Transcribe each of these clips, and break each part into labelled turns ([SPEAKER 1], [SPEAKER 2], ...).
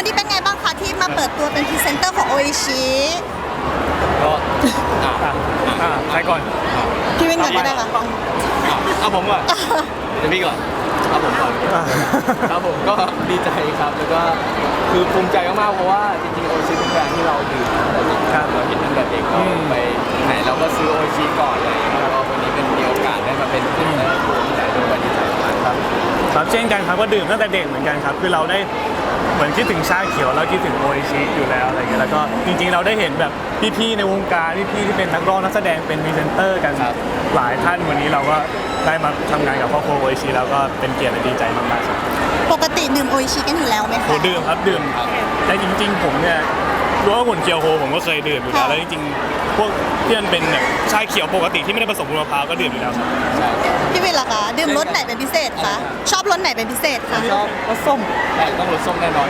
[SPEAKER 1] นี้เป็นไงบ้างคะที่มาเปิดตัวเป็นพรีเซนเตอร์ของโออิชิ
[SPEAKER 2] ก็
[SPEAKER 3] ใครก่อน
[SPEAKER 1] พี่วินก่อนก็ได้ค่ะ
[SPEAKER 2] เอาผมก่อนเดี๋ยวพี่ก่อนเอาผมก่อนครับผมก็ดีใจครับแล้วก็คือภูมิใจมากๆเพราะว่าจริงๆโอชิเป็นแบรนด์ที่เราดื่มตั้งแต่เด็กเราเห็นตั้งแต่เด็กก็ไปไหนเราก็ซื้อโอชิก่อนเลยแล้วก็วันนี้เป็นมีโอกาสได้มาเป็นพรีเซนเตอร์ภูมิใจด้วยดีใจมากครับ
[SPEAKER 3] ครับเช่นกันครับก็ดื่มตั้งแต่เด็กเหมือนกันครับคือเราได้เหมือนคิดถึงชาเขียวเราคิดถึงโออิชิอยู่แล้วอะไรเงี้ยแล้วก็จริงๆเราได้เห็นแบบพี่ๆในวงการพี่ๆที่เป็นนักร้องนักแสดงเป็นพรีเซนเตอร์กันหลายท่านวันนี้เราก็ได้มาทำงานกับครอบครัวโออิชิแล้วก็เป็นเกียรติและดีใจมากๆครับ
[SPEAKER 1] ปกติดื่มโออิชิกันอยู่แล้วไหมคะ
[SPEAKER 3] ดื่มครับดื่มแต่จริงๆผมเนี่ยรู้ว่าหุ่นเคียวโฮผมก็เคยดื่มอยู่แล้วแล้วจริงๆพวกที่มันเป็นแบบชาเขียวปกติที่ไม่ได้ผสมมะพร้าวก็ดื่มอยู่แล้วครับ
[SPEAKER 1] พี่วินล่ะคะดื่มรสไหนเป็นพิเศษคะชอบรสไหนเป็นพิเศษคะ
[SPEAKER 2] ชอบรสส้มแต่ต้องรสส้มแน่นอน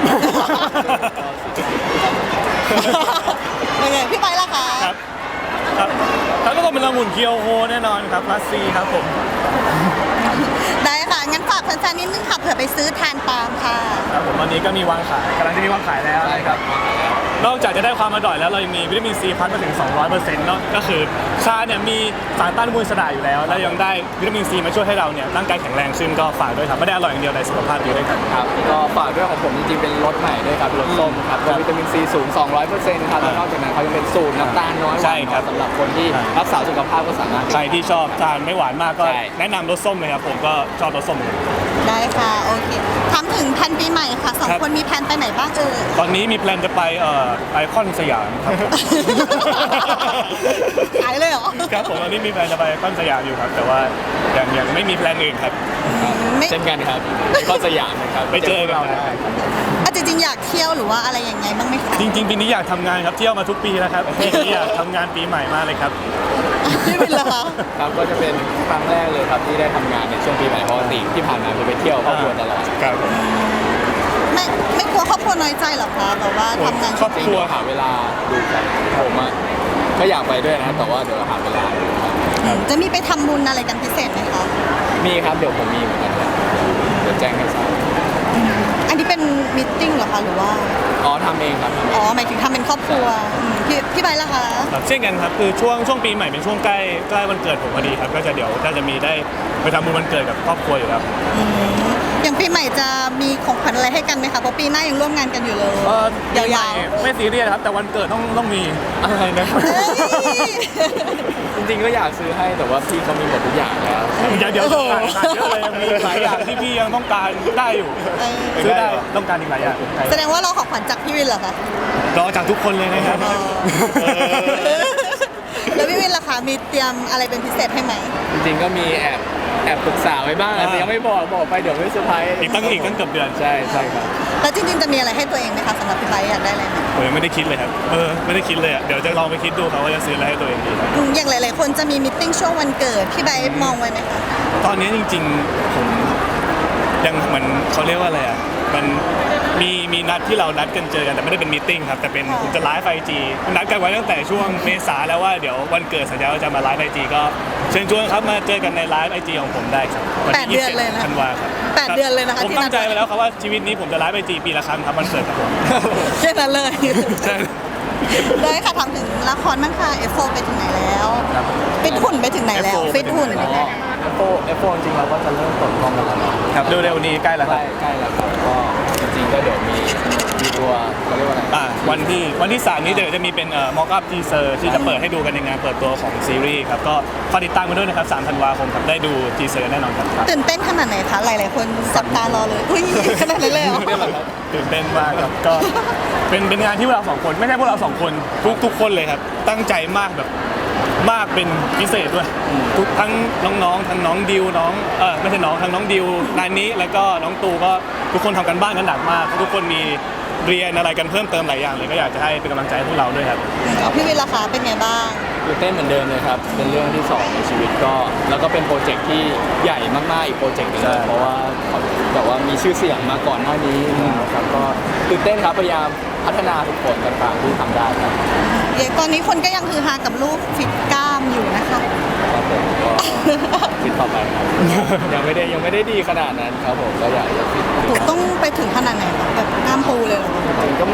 [SPEAKER 1] ยังไงพี่ไปล่ะคะ
[SPEAKER 3] ครับแล้วก็ต้องเป็นองุ่นเคียวโฮแน่นอนครับพลัสซีครับผม
[SPEAKER 1] ได้ค่ะงั้นฝากแฟนๆนิดนึงค่ะเผื่อไปซื้อทานตามค่ะ
[SPEAKER 3] ครับผมวันนี้ก็มีวางขายกำลังจะมีวางขายแล้ว
[SPEAKER 2] ใช่ครับ
[SPEAKER 3] นอกจากจะได้ความอร่อยแล้วเรายังมีวิตามินซีพัดมาถึง 200%เนาะก็คือชาเนี่ยมีสารต้านอนุมูลอิสระอยู่แล้วแล้วยังได้วิตามินซีมาช่วยให้เราเนี่ยร่างกายแข็งแรงขึ้นก็ฝากด้วยครับไม่ได้อร่อยอย่างเดียวแต่สุขภาพดีด้วยครับ
[SPEAKER 2] ครับก็ฝากด้วยของผมจริงๆเป็นรสใหม่ด้วยครับรสส้มครับวิตามินซีสูง 200%ครับแล้วนอกจากนั้นเขายังเป็นสูตรน้ำตาลน้อยหวานสำหรับคนที่รักษาสุขภาพก็สามารถ
[SPEAKER 3] ใครที่ชอบทานไม่หวานมากก็แนะนำรสส้มเลยครับผมก็ชอบรสส้ม
[SPEAKER 1] ได้ค่ะโอเคถามถึงแผนปีใหม่ค่ะสองคนมีแผนไปไหนบ้าง
[SPEAKER 3] ตอนนี้มีแพลนจะไปไอคอนสยามครับ
[SPEAKER 1] ขายเลยเหรอ
[SPEAKER 3] ครับผมตอนนี้มีแพลนจะไปไอคอนสยามอยู่ครับแต่ว่ายังไม่มีแพลนอื่นครับ
[SPEAKER 2] เช่นกันครับไอคอนสยามนะครับ
[SPEAKER 3] ไปเจอกัน
[SPEAKER 1] จริงๆอยากเที่ยวหรือว่าอะไรยังไงบ้างไหมคะ
[SPEAKER 3] จริงๆปีนี้อยากทำงานครับเที่ยวมาทุกปีแล้วครับปีนี้อยากทำงานปีใหม่มากเลยครับ
[SPEAKER 1] พี่วินล่ะคะ
[SPEAKER 2] ครับก็จะเป็นครั้งแรกเลยครับที่ได้ทำงานในช่วงปีใหม่ปกติที่ผ่านมาคือไปเที่ยวครอบครัวตลอด
[SPEAKER 3] ครับ
[SPEAKER 1] ไม่กลัวครอบครัวน้อยใจหรอคะแบบว่าทำงาน
[SPEAKER 3] ครอบครัว
[SPEAKER 2] หาเวลาดูกันผมอ่ะก็อยากไปด้วยนะแต่ว่าเดี๋ยวหาเวลา
[SPEAKER 1] จะมีไปทำบุญอะไรกันพิเศษไหมคะ
[SPEAKER 2] มีครับเดี๋ยวผมมีเหมือนกันเดี๋ยวแจ้งให้ทราบ
[SPEAKER 1] อันนี้เป็นมิทติ้งเหรอคะหรือว่า
[SPEAKER 2] ทำเองครับ
[SPEAKER 1] หมายถึงทำเป็นครอบครัวพี่ใบล่ะคะ
[SPEAKER 3] เช่นกันครับคือช่วงปีใหม่เป็นช่วงใกล้วันเกิดผมพอดีครับก็จะเดี๋ยวจะมีได้ไปทำบุญวันเกิดกับครอบครัวอยู่แล้ว
[SPEAKER 1] อย่างปีใหม่จะมีของขวัญอะไรให้กันไหมคะเพราะปีหน้ายังร่วมงานกันอยู่เลยยาว
[SPEAKER 3] ๆไม่ซีเรียสครับแต่วันเกิดต้องมีอะไรนะครับ
[SPEAKER 2] จริงๆก็อยากซื้อให้แต่ว่าพี่เขามีหมดทุกอย่างแล้ว
[SPEAKER 3] เดี๋ยวขาดเยอะเลยมีหลายอย่างที่พี่ยังต้องการได้อยู่ซื้อได้ต้องการอีกหลายอย่าง
[SPEAKER 1] แสดงว่าเราของขวัญจากพี่วินเหรอคะ
[SPEAKER 3] รอจากทุกคนเลยนะครับ
[SPEAKER 1] แล้วพี่วินล่ะคะมีเตรียมอะไรเป็นพิเศษให้ไหม
[SPEAKER 2] จริงๆก็มีแอบปรึกษาไว้บ้างแต่ยังไม่บอกไปเดี๋ยวไม่เซอร์ไพรส์
[SPEAKER 3] อีกตั้งเกือบเดือน
[SPEAKER 2] ใช่ครับ
[SPEAKER 1] แล้วจริงๆจะมีอะไรให้ตัวเองไหมคะสำหรับพี่ไบอยากได้อะไรไหม
[SPEAKER 3] ผมยังไม่ได้คิดเลยครับไม่ได้คิดเลยเดี๋ยวจะลองไปคิดดูครับว่าจะซื้ออะไรให้ตัวเองดี
[SPEAKER 1] อย่างหลายๆคนจะมีมิทติ้งช่วงวันเกิดพี่ไบมองไว้ไหมคะ
[SPEAKER 3] ตอนนี้จริงๆผมยังเหมือนเขาเรียกว่าอะไรอ่ะมันมีนัดที่เรานัดกันเจอกันแต่ไม่ได้เป็นมีตติ้งครับแต่เป็นผมจะไลฟ์IGนัดกันไว้ตั้งแต่ช่วงเมษาแล้วว่าเดี๋ยววันเกิดสัญญาว่าจะมาไลฟ์IGก็เชิญชวนครับมาเจอกันในไลฟ์IGของผมได้ครับ
[SPEAKER 1] 8 เดือนเลยนะ
[SPEAKER 3] ธันวาครับ
[SPEAKER 1] 8 เดือนเลยนะคะ
[SPEAKER 3] ผมตั้งใจไว้แล้วครับว่าชีวิตนี้ผมจะไลฟ์IGปีละครั้งครับวันเกิดครับผม
[SPEAKER 1] แค่นั้นเลย
[SPEAKER 3] ใช่
[SPEAKER 1] ได้ค่ะถามถึงละครบ้างค่ะ F4 ไปถึงไหนแล้วฟิตหุ่นไปถึงไหนแล้วฟิตหุ่น
[SPEAKER 2] F4 จริงๆเราก็จะเริ่มเปิดกล้องแล้ว
[SPEAKER 3] ครับเร็วๆนี้ใกล้แล้วครับ
[SPEAKER 2] ใกล้แล้วครับก็จริงๆก็เดี๋ยวมีตัวเขาเรียกว่าอะไร
[SPEAKER 3] วันที่3นี้เดี๋ยวจะมีเป็นม็อกอัพทีเซอร์ที่จะเปิดให้ดูกันในงานเปิดตัวของซีรีส์ครับก็ฝากติดตามกันด้วยนะครับ3 ธันวาคมครับได้ดูทีเซอร์แน่นอนครับ
[SPEAKER 1] ตื่นเต้นขนาดไหนคะหลายๆคนจับตารอเลยอุ้ยขนาดนั้นเลยเหรอ
[SPEAKER 3] ตื่นเต้นมากครับก็เป็นงานที่พวกเรา2คนไม่ใช่พวกเรา2คนทุกคนเลยครับตั้งใจมากแบบมากเป็นพิเศษด้วยทั้งน้องๆทั้งน้องดิวน้องไม่ใช่น้องทั้งน้องดิวนานี้แล้วก็น้องตูก็ทุกคนทำกันบ้านกันหนักมากทุกคนมีเรียนอะไรกันเพิ่มเติมหลายอย่างเลยก็อยากจะให้เป็นกำลังใจให้พวกเราด้วยครับ
[SPEAKER 1] พี่วินล่ะคะเป็นไงบ้าง
[SPEAKER 2] ตื่นเต้นเหมือนเดิมเลยครับเป็นเรื่องที่2ในชีวิตก็แล้วก็เป็นโปรเจกต์ที่ใหญ่มากๆอีกโปรเจกต์นึงเพราะว่าแบบว่ามีชื่อเสียงมาก่อนหน้านี้นะครับก็ตื่นเต้นครับพยายามพัฒนาทุกคนต่างๆที่ทำได้ครับ
[SPEAKER 1] ตอนนี้คนก็ยังฮือฮากับรูปฟิตกล้ามอยู่นะคะ
[SPEAKER 2] ครับผมก็คิดต่อไปครับยังไม่ได้ดีขนาดนั้นครับผมก็อยากจะฟิต
[SPEAKER 1] ต้องไปถึงขนาดไหนแบบกล้ามปูเลยหรอ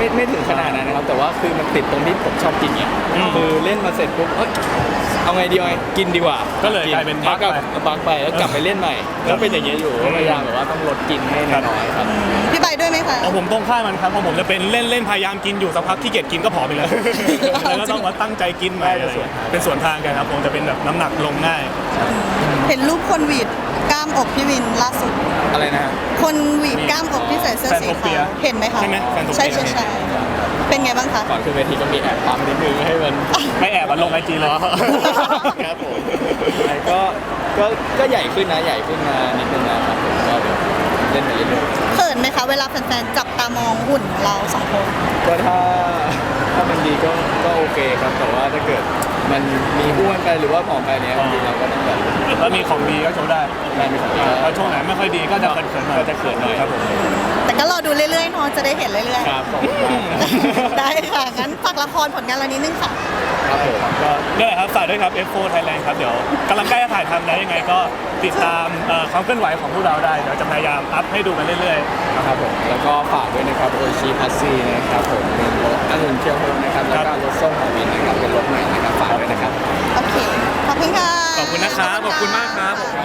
[SPEAKER 2] ไม่ถึงขนาดนั้นนะครับแต่ว่าคือมันติดตรงที่ผมชอบกินไงคือเล่นมาเสร็จปุ๊บเอ้ยเอาไงดีเอาไงกินดีกว่า
[SPEAKER 3] ก็เลยกลายเป็น
[SPEAKER 2] บักไปแล้วกลับไปเล่นใหม่แล้วเป็นอย่างเงี้ยอยู่ก็พยายามแบบว่าต้องลดกินให้น้อยๆครับ
[SPEAKER 1] พี่ใบด้วยไหมคะ
[SPEAKER 3] ของผมตรงข้ามมันครับของผมจะเป็นเล่นพยายามกินอยู่สักพักขี้เกียจกินก็ผอมไปเลยแล้วก็ต้องมาตั้งใจกินใหม่อะไรอย่างเงี้ยเป็นส่วนทางกันครับผมจะเป็นแบบน้ำหนักลงง่าย
[SPEAKER 1] เห็นรูปคนหวีดกล้ามอกพี่วินล่าสุด
[SPEAKER 2] อะไรนะฮะ
[SPEAKER 1] คนหวีดกล้ามอกที่ใส่เสื้อสี
[SPEAKER 3] แฟนโทเปี
[SPEAKER 1] ขาย วเห็นไหมคะ
[SPEAKER 3] ใช่ไหมแฟนโทเปีย
[SPEAKER 1] ใช่ใช่ใช่เป็นไงบ้างคะ
[SPEAKER 2] ก่อนขึ้นเวทีก็มีแอบปั๊มนิดนึงให้มัน
[SPEAKER 3] ไม่แอบมาลงไอจีเลย
[SPEAKER 2] ครับผมก็ใหญ่ขึ้นนะใหญ่ขึ้นมานิดนึงนะครับผมก็เดี๋ยวเล่นไปเรื่อย
[SPEAKER 1] เขินไหมคะเวลาแฟนๆจับตามองหุ่นของเราสองคน
[SPEAKER 2] ๆก็ถ้ามันดีก็โอเคครับแต่ว่าถ้าเกิดมันมีอ้วนไปหรือว่าผอมไปเนี้ยบางทีเราก็ต้องแบบ
[SPEAKER 3] แล้วมีของดีก็โชว์ได้
[SPEAKER 2] ได้มีของดี
[SPEAKER 3] แล้วช่วงไหนไม่ค่อยดีก็จะเขินๆหน่อย
[SPEAKER 2] ก็จะเขินหน่อย
[SPEAKER 3] ครับผม
[SPEAKER 1] แต่ก็รอดูเรื่อยๆเนาะจะได้เห็นเรื่อย
[SPEAKER 2] ครับขอบคุณมาก
[SPEAKER 1] ๆ ได้ค่ะงั้นฝากละครผลงานเรานิดนึงค่ะ
[SPEAKER 2] ครับผม
[SPEAKER 3] ก็นี่แหละครับฝากด้วยครับ F4 Thailand ครับเดี๋ยวกำลังใกล้จะถ่ายทำแล้วยังไงก็ติดตามความเคลื่อนไหวของพวกเราได้เดี๋ยวจะพยายามอัพให้ดูกันเรื่อยๆ
[SPEAKER 2] ครับผมแล้วก็ฝากด้วยนะครับโอชิพัซซี่นะครับผมเป็นรถองุ่นเคียวโฮมนะครับแล้วก็รถส้มของวินนะครับเป็นรถใหม่นะครับฝากด้วยนะครับ
[SPEAKER 1] โอเค ขอบคุณค่ะ
[SPEAKER 3] ขอบคุณนะครับขอบคุณมากครับ